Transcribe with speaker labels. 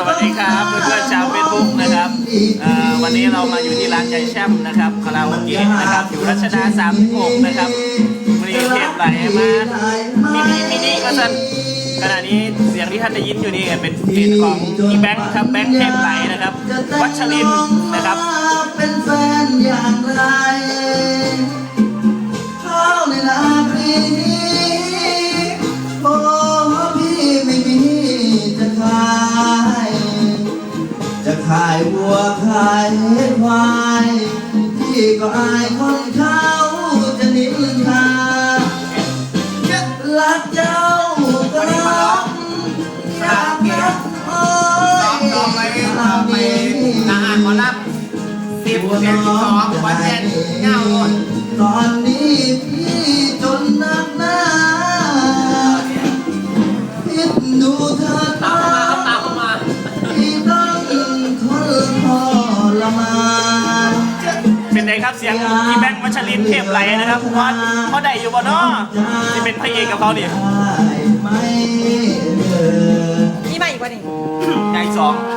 Speaker 1: วัสดีครับเพื่อนๆชาวเฟซบุ๊กนะครับวันนี้เรามาอยู่ที่ร้านใจแช่มนะครับคาราโอเกะนะครับอยู่รัชดา36นะครับมีเทปไหลมามินิก็สั่นขณะนี้เสียงที่ท่านได้ยินอยู่นี่เป็นเสียงของพี่แบงค์ครับแบงค์เทปไหลนะครับวัชรินทร์นะครับ
Speaker 2: เป็นแฟนอย่างไรเขาในนาปีนี้โอ้พี่ไม่มีจะขายวัวขายควายพี่ก็อายคนเขาจะนินทารักเจ้าก็รักรักนะโอ้ย
Speaker 3: ซ้อมไปทหารหมอลำ10 12วันเย็นเงาหมด
Speaker 2: ตอนนี้พี่จนนักหนาพิดดูเธอตาพี่ต้องทนทรมาน
Speaker 1: เป็นไงครับเสียงพี่แบงค์วัชรินทร์เทปไหลนะครับว่าเขาได้อยู่บ่เนาะที่เป็นพระเอกกับเขาดิ
Speaker 2: ได้ไหม
Speaker 4: มีมาอีกวันหนึ่ง
Speaker 1: ใหญ่สอง